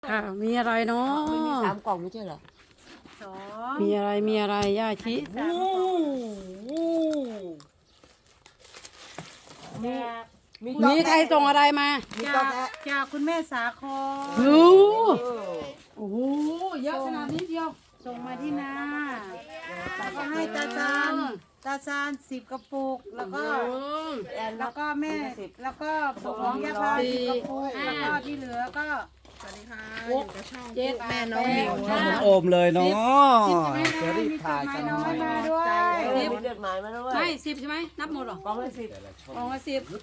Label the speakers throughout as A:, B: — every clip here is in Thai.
A: ค่ะมีอะไรเนาะ
B: ไม่มี3 กล่องไม่ใช่เหรอ
C: สอง
A: มีอะไรย่าชิ
C: สามกล่องจาก
A: มีใครส่งอะไรมา
B: มี
C: จา
B: ต๊อก
C: ก
B: แท้
C: จากคุณแม่สาคร
A: ดู
B: เออ
A: โอ้โหเยอะขนาดนี้เดียว
C: ส่งมาที่นาแล้วก็ให้ตาซาน10 กระปุกแล้วก็
B: แอน
C: แล้วก็แม่แล้วก็ของยาพา10 กระปุกแล้วก็ที่เหลือก็
D: สวัสดีค่ะ
A: หกเจ็ด
D: แม่น้องหมิว
A: แปด
E: โอมเลยเนาะ
C: จะรีบถ่ายกันน้อยมาด้วย
B: มีจดหมายมาด้วย
A: ไม่10ใช่ไหมนับหมดเหรอก
B: ล่องละ10
A: กล่องละ10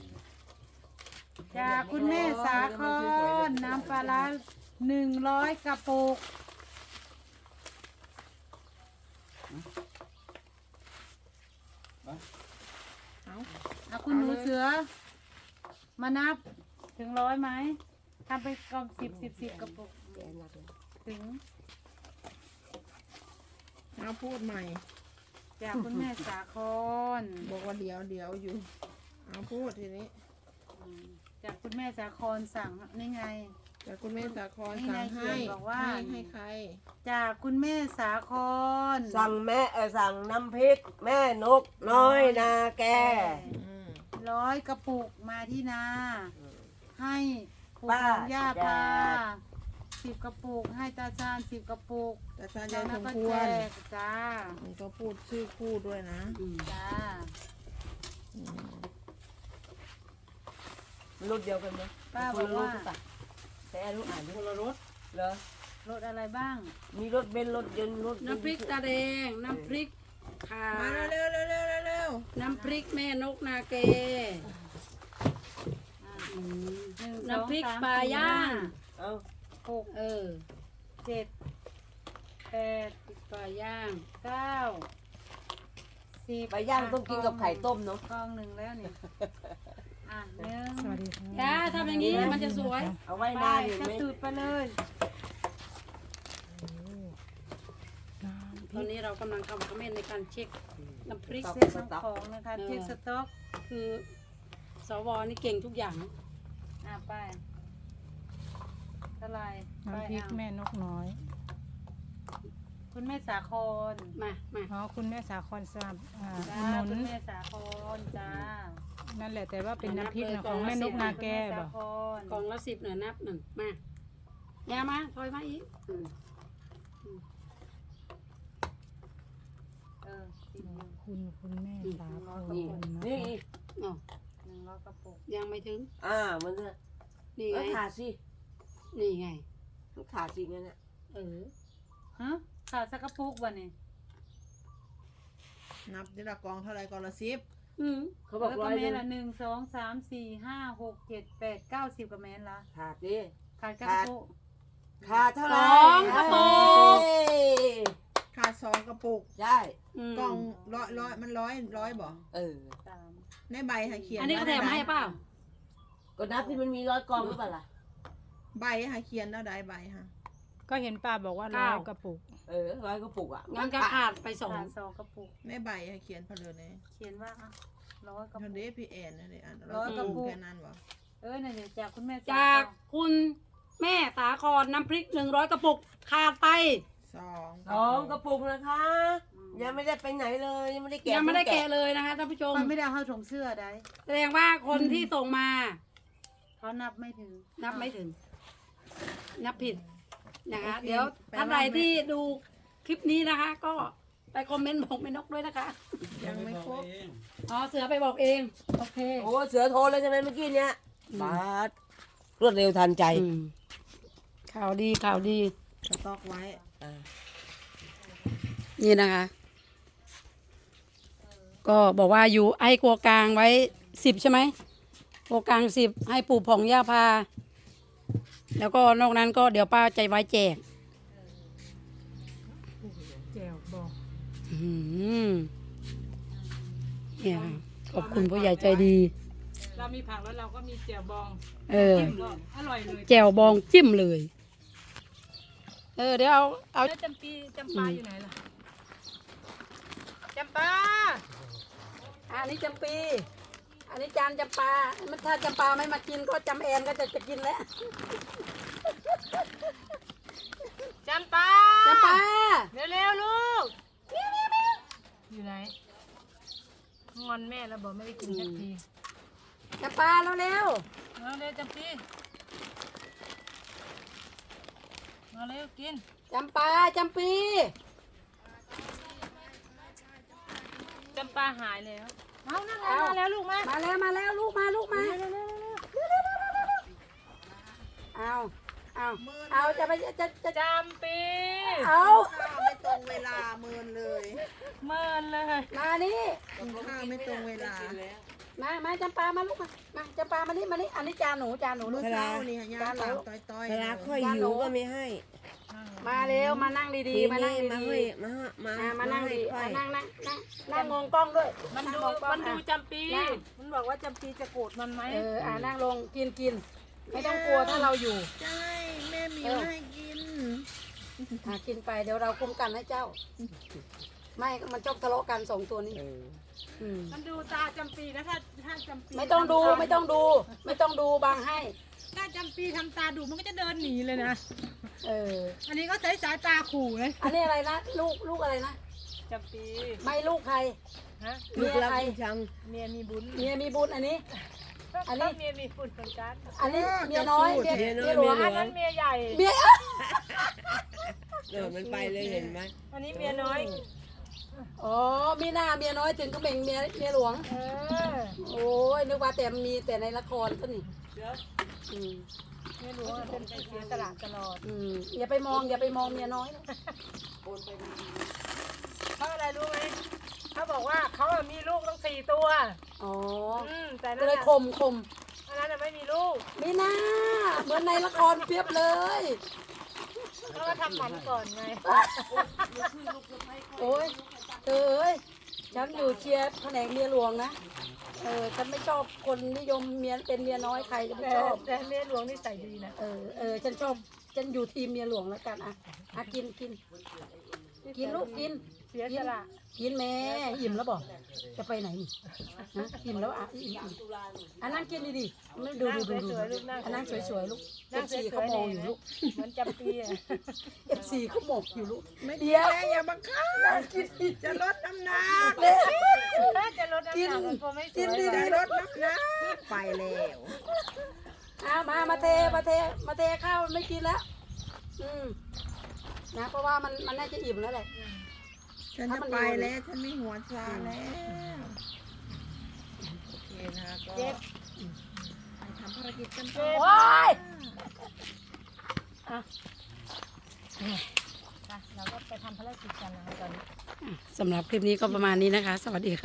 C: จากคุณแม่สาครน้ำปลาร้า100 กระปุกเอาคุณหนูเสือ มานับถึง100ไหมทำไปกล่อง10 กระปุก
B: แอนนับเลย
C: ถึง
D: เอาพูดใหม่
C: จากคุณแม่สาคร
D: บอกว่าเดี๋ยวอยู่ เอาพูดทีนี้
C: จากคุณแม่สาครสั่งนี่ไง
D: แต่คุณแม่สาคร
C: นี่
D: สั่ง
C: นายเขี
D: ให้
C: ยนบอกว่า
D: ให้ใคร
C: จากคุณแม่สาคร
B: สั่งสั่งน้ำพริกแม่นกน้อยนาแก
D: อืม
C: 100 กระปุกมาที่นา ให้ปู่
B: ป้า
C: ของย่าพา
B: แจ
C: 10 กระปุก ให้ตาซาน10 กระปุก
D: แต่ซาน
C: แล้
D: ยา
C: วย
D: สม
C: ก็
D: ค
C: แจ
D: วร
C: กจ้า
D: นี่ก็พูดชื่อคู่ด้วยนะ
C: จ้า
D: อืม
B: รุ่นเดียวกันไหม
C: ป้า
B: ค
C: บอน ก
B: ละรุ่
C: ว่าน
B: หรือเปล่าแต่แอนรู้อ่านดิ
A: คนละรส
B: เหรอ
C: รถอะไรบ้าง
B: มีรถเบนซ์รถยนต์รถ
A: น้ำพริกตาแดงน้ำพริกข่า
D: มาเร็วเร็ว
A: น้ำพริกแม่นกนาเก
C: หนึ่ง
A: น้ำพริก
C: สองสม
A: ปลาย่าง
B: เอ้า
C: หก
A: เออ
C: เจ็ดแปด
A: ปลาย่าง
C: 9 10
B: ไปย่างต้องกินกับไข่ต้มเนาะ
C: กองหนึ่งแล้วนี่หนึ่ง
D: สวัสดีค่ะ
A: จ้าทำอย่างนี้มันจะสวย
B: เอาไว้
C: ไป
B: นานเห็น
C: จะ
B: ไหม
C: ตูดไปเลย
A: ตอนนี้เรากำลังทำคอมเมนต์ในการเช็คน้ำพริก
C: เซ็ตทั้งของนะคะเช็คสต็อก
A: คือสวนี่เก่งทุกอย่าง
C: ไปเท่าไหรไป
F: น้ำพริกแม่นกน้อย
C: คุณแม่สาคร
A: มา
F: อ๋อ คุณแม่สาครทราบ
C: จ้า
F: อุดหนุ
C: คุ
F: น
C: ณแม่สาครจ้า
F: นั่นแหละแต่ว่าเป็นน้ำพริกนะของแม่นกนาแก
C: คุณ
F: บ
C: ม่
F: อก
C: สาคร
A: กล่องละ10หน่อยนับหนึ่งมาอย่ามาถอยมาอีก
C: สิบหนึ่ง
F: คุณแม่สาคร
B: นี่
F: นะ
B: นี่
F: คะ
A: อ๋อ
C: 100 กระปุก
A: ยังไม่ถึง
B: มันจะ
A: นี่ไง
B: ขาดสิ
A: นี่ไง
B: มันขาดสิงั้นน่ะ
A: เออ
C: ฮะขาดสักกระปุกวันนี้
D: นับทีละกองเท่าไรกองละ10
B: เขาบอก
C: แล้ว
B: ร้
C: ก็
B: อย
C: เม
B: หนึ
C: น
B: ง
C: ละ1 2 3 4 5 6 7 8 9 10กับเมนละ
B: ขาดดิ
C: ขาดกระปุก
B: ขาดเท่าไหร่
A: 2 กระปุก
B: เอ้ย
D: ขาด2 กระปุก
B: ใช่
D: กล่องร้อยมันร้อยบอก
B: เออ
D: ในใบให้เขียน
A: อันนี้ก็แถมมาให้เปล่า
B: ก็นับที่มันมี100 กล่องหรือเปล่าล่ะ
D: ใบให้เขียนแล้วได้ใบค่ะ
F: ก็เห็นป้าบอกว่า
A: เก้า
F: 100 กระปุก
B: 100 กระปุกอ่ะ
A: งั้นก็ขาดไปสอง
C: ขาด2 กระปุก
D: ในใบให้เขียนเพลินเลย
C: เขียนว่า100 กระ
D: ทั
C: ปุ
D: น
C: ก
D: เดพี่แอนนั่นเลยอ่าน
C: ร้อยกระปุก
D: แค่นั้นบอก
C: นั่นเดี๋ยวจากคุณแม่ส
A: จากคุณแม่สาครน้ำพริก100 กระปุก ขาดไป
B: 2 กระปุกนะคะ ยังไม่ได้ไปไหนเลย ยังไม่ได้แกะ
A: ยังไม่ได้แกะเลยนะคะท่านผู้ชม
C: มันไม่ได้เอาเข้าถุงเสื้อได้
A: แสดงว่าคนที่ส่งมา
C: เขานับไม่ถึง
A: นับไม่ถึง นับผิดนะคะ เดี๋ยวท่านใดที่ดูคลิปนี้นะคะ ก็ไปคอมเมนต์บอกแม่นกด้วยนะคะ
D: ยังไม่ครบ
A: อ๋อเสือไปบอกเอง โอเค
B: โอ้เสือโทรเลยใช่ไหมเมื่อกี้เนี้ยบาสรวดเร็วทันใจ
A: ข่าวดีข่าวดี
D: สต็อกไว้
A: นี่นะคะ ก็บอกว่าอยู่ให้ครัวกลางไว้10ใช่ไหมครัวกลาง10ให้ปู่ผ่องย่าพา แล้วก็นอกนั้นก็เดี๋ยวป้าใจไว้แจก
F: แจวบอก
A: อืมเนี่ยค่ะขอบคุณผู้ใหญ่ใจดี
F: เรามีผักแล้วเราก็มีแจวบอง
A: เออ
F: จิ้มก็อร่อยเลย
A: แจ่วบองจิ้มเลย เดี๋ยวเอา
F: แล้วจำปาอยู่ไหนล่ะจำปา
A: อันนี้จำปี อันนี้จานจำปาถ้าจำปาไม่มากินก็จำแอนก็จะกินแล้ว
F: จำปา
A: จำปา
F: เร็วๆลูกอยู่ไหนงอนแม่แล้วบอกไม่ได้กินสักที
A: จำปาเร็ว
F: เอาเร็วจำปีมาเร็วกิน
A: ๆจำปาจำปี
F: จำปาหายแล้วเอานั่งมาแล้วลูกมา
A: มาแล้วลูกมาเอาจะไปจะ
F: จำปี
A: เอา
D: ข้าวไม่ตรงเวลาเมินเลย
F: เมินเลย
A: มานี่
D: กินข้าวไม่ตรงเวลา
A: มาจำปามาลูกมาจำปามานี่อันนี้จานหนูลู
D: เมื่
A: ก
D: อเช้านี่หายาตามต้อยๆ
B: เวลาค่อยหิวก็ไม่ให้
A: มาเร็วมานั่งดีๆมานั่ง
B: มา
A: ดี
B: ให้มา
A: ๆนั่งดี
B: ค่อย
A: นั่งมองกล้องด้วย
F: มันดู
A: งกล้อง
F: มันดูจำปีมันบอกว่าจำปีจะโกรธมันไหม
A: นั่งลงกินไม่ต้องกลัวถ้าเราอยู่
D: ใช่แม่หมิวให้กิน
A: กินไปเดี๋ยวเราคุ้มกันให้เจ้า ไม่มันชอบทะเลาะกันสองตัวนี้ม
F: มันดูตาจำปีนะถ้าจำปี
A: ไม่ต้องดูบางให้
F: ถ้าจำปีทำตาดูมันก็จะเดินหนีเลยนะ
C: อันนี้ก็ใช้สายตาขู่เลย
A: อันนี้อะไรนะลูกอะไรนะ
F: จำปี
A: ไม่ลูกใคร
F: ฮะ
A: เมียใคร
F: เมียมีบุญ
A: เมียมีบุญอันนี้ อันนี้
F: เมียมีบุญเหมือนกัน
A: อันนี้เมียน้อยเมียหลวง
F: อันนั้นเมียใหญ่
A: เมีย
B: มันไปเลยเห็นไหม
F: อันนี้เมียน้อย
A: อ๋อมีหน้าเมียน้อยถึงก็เบ่งเมียหลวง โอ้ยนึกว่าแต่มีแต่ในละครซะนี่อืม
F: เมียหลวงเป็นเสียสละตลอด
A: อย่าไปมองเมียน้อยนะ
F: เขาอะไรรู้ไหมเขาบอกว่าเขามีลูกตั้ง4 ตัว
A: อ๋อ
F: แต่
A: ก็
F: นั่น
A: เลย
F: น่ะ
A: คม
F: อันนั้นน่ะไม่มีลูก
A: มีหน้าเหมือนในละครเปรียบเลย
F: เขาก็ทำหมันก่อนไง
A: โอ้ยเธอเอ้ยฉันอยู่เชียร์แผนกเมียหลวงนะฉันไม่ชอบคนนิยมเมียเป็นเมียน้อยใครจะไม่ชอบ
F: แต่เมียหลวงนี่ใส่ดีนะ
A: ฉันชอบฉันอยู่ทีมเมียหลวงแล้วกันกินลูกกิน
F: เสียสละ
A: กินแม่อิ่มแล้วบอกจะไปไหนนี่ฮะอิ่มแล้วอิ่มนั่งกินดีๆไม่ดู
F: สวยๆลูกนั่ง
A: นั่งสวยๆลูก
F: นั่งส
A: FC
F: วยๆ
A: เขามองอยู่ลูก
F: เหมือนจำปีอ่ะ
A: FC เขามองอยู่ลูก
D: ไม่ดี
A: เดี๋ยว
D: แม่อย่าบังคับ
A: นั่งกินดี
D: จะลดน้ำหนัก
A: ๆเลย
F: ถ้าจะลดน้ำหนักมันคงไม่สวย
D: จะลดน้ำหนักไปแล้ว
A: มาเทข้าวไม่กินแล้วนะเพราะว่ามันน่าจะอิ่มแล้วแหละ
D: ฉันจะไปแล้วฉันไม่หัวซาแล้วโอเคนะคะก็ไปทำภารกิจกันต่อ
A: โอ้ย
F: เราก็ไปทำภารกิจกันนะคะตอนนี้
A: สำหรับคลิปนี้ก็ประมาณนี้นะคะ สวัสดีค่ะ